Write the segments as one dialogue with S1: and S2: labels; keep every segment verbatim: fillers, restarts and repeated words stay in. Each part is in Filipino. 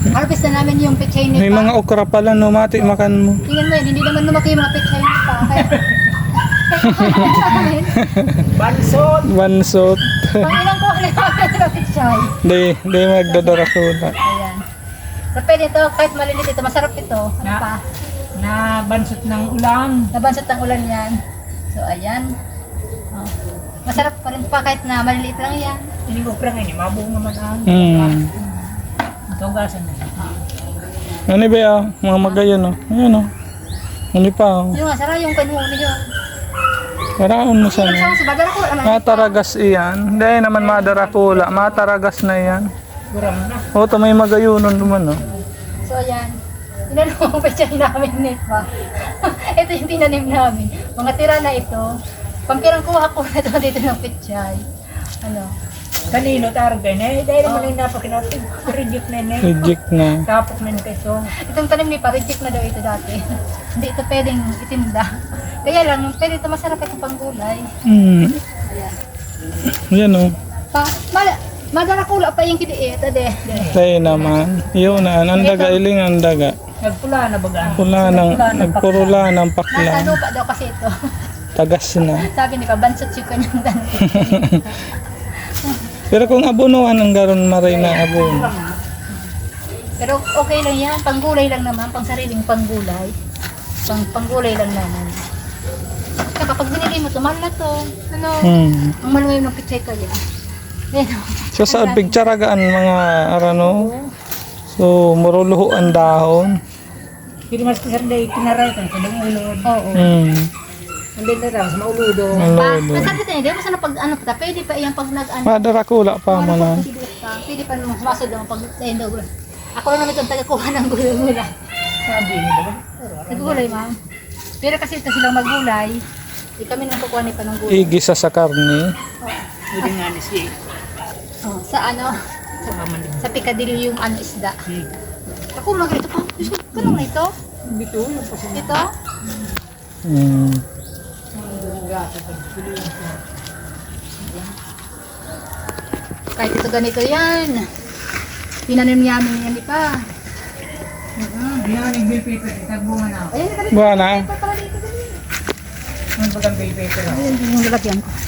S1: Harvest na namin yung pechay
S2: May
S1: nito.
S2: mga okra pala, no? Mati, makan mo.
S1: Tingnan mo yun, hindi naman lumaki yung mga pechay nito. Kaya,
S3: Bansot.
S2: Bansot.
S1: pang ilang kuha na namin ng pechay.
S2: Di, di magdadarakula.
S1: Ayan. So, pwede ito, kahit malilit ito, masarap ito. Ano
S3: Na-
S1: pa?
S3: Na bansot ng ulan.
S1: Nabansot ng ulan yan. So, ayan. Oh. Masarap pa rin pa kahit na maliliit lang yan.
S3: Hindi ko pala ngayon, mabuong naman ang
S2: Hmm.
S3: tugasan na.
S2: Ano ba yan? Mga magayon, no? Ayan, no? Ano pa, oh.
S1: Yung nga, sarap yung kanhuli yun.
S2: Paraon mo sana.
S1: Yung sa badara ko, ano?
S2: Mataragas iyan. Hindi naman madarakula. Mataragas na yan.
S3: Guram na.
S2: O, ito may magayunon naman, no?
S1: So, ayan. Inanong ang pechay namin nito. Ito yung tinanim namin. Mga tira na ito. Pangkirang kuha ko na ito dito ng pechay. Ano?
S3: Kanino targa na eh. Dahil naman yung napakinatin. Reject na yun eh.
S2: Reject na.
S3: Tapos na yung keso.
S1: Itong tanim ni pa, reject na daw ito dati. Hindi ito pwedeng itinda. Kaya lang, pwede ito masarap itong panggulay.
S2: Hmm.
S1: Ayan.
S2: Yan, no?
S1: Pa, mala, madarakula pa yung kidiit. Ade.
S2: Tayo naman. Yun na. Ang daga, iling ang daga.
S3: Nagpula na baga.
S2: Pula ng, nagpurula ng
S1: Nasa
S2: pakla.
S1: lupa daw kasi ito.
S2: Tagas na.
S1: Sabi ni pa, bansot yung kanyang dante.
S2: Pero kung abunuan ang garon maray na abon.
S1: Pero okay lang yan, panggulay lang naman, pang sariling panggulay. Pang panggulay lang naman. Kaya kapag binili mo, tumal na to. Ano?
S2: Hmm.
S1: Ang maluway ng pichay kaya. Ayan o.
S2: So sa picturagaan mga arano. So muruluho ang dahon.
S3: Hindi mas kisar na itinaray ka. Sa dang ulod.
S1: Oo.
S2: Hmm.
S3: Hindi na raw. Sa mauludo.
S1: Pa,
S2: Malulo.
S1: nasabi tayo, di mo sana pag ano pa, pwede pa iyang pag nag-ano.
S2: Madarakula pa mo na.
S1: Pwede pa naman masod lang pag ayun daw. Ako lang naman itong taga-kuha ng gulay-gulay.
S3: Sabi niya baga.
S1: Nagulay, ma'am. Pero kasi ito silang maggulay, eh, kami naman kukuha ni pa ng gulay.
S2: Igisa sa karne.
S3: Hindi nga ni si.
S1: Oh, sa ano,
S3: Sa kaman din.
S1: sa Piccadilly yung ano isda.
S3: Si.
S1: Ako lang ito pa. Kano na ito?
S3: Bito yung pasin.
S1: Ito?
S2: Hmm.
S1: Kahit ito ganito yan. Tinanim namin yan di pa.
S3: Hindi nga nag-bill paper. Tagbunga na ako.
S1: Ayan, ganito.
S2: Buwan na.
S1: Pa pala dito. dali.
S3: Ano bagang bill paper ako?
S1: Ayan, yung lalagyan ko.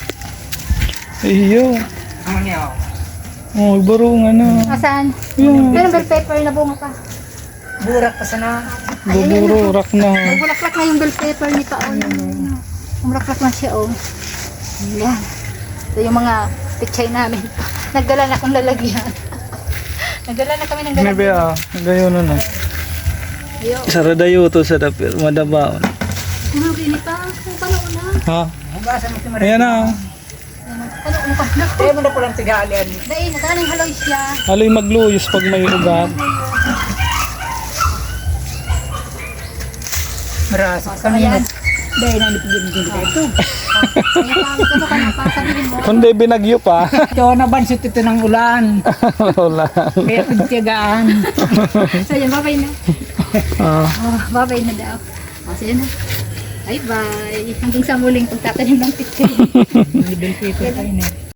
S2: Iyo.
S3: Ang niya ako.
S2: Oh, barungan na.
S1: Asan?
S2: Yan.
S1: Meron bell pepper na bunga pa.
S3: Burak pa sana.
S2: Bubururak na.
S1: Nagbulaklak na yung bell pepper ni Paon. Umulaklak na siya, oh. Yan. Ito yung mga pichay namin. Nagdala na akong lalagyan. Nagdala na kami ng
S2: May
S1: lalagyan.
S2: ba? Gayon na na.
S1: Ayo.
S2: Saradayo to sa dapir. Madabaon.
S1: Ano, gini pa? Ano pa na?
S2: Ha?
S3: Hugasan mo si Maria.
S2: Ayan na.
S1: Ano, ano pa na?
S3: Kaya mo na palang tigaalian.
S1: Dahil, nagaling haloy siya.
S2: Aloy magluyos pag may ugat.
S3: Marasa.
S1: So, ayan.
S3: Dahil na nipigil din ito.
S1: Ayan pa, ano ka na pa? Sabihin mo.
S2: Kundi binagyo pa.
S3: Ito na bansot ito ng ulan.
S2: Wala.
S3: Kaya pagtiyagaan.
S1: So, ayan, babay na.
S2: Ah.
S1: Oh, babay na daw. O, so, yun na. Bye-bye. Hanggang sa muling pagtatanim ng pichay.
S3: May bill paper pa yun eh.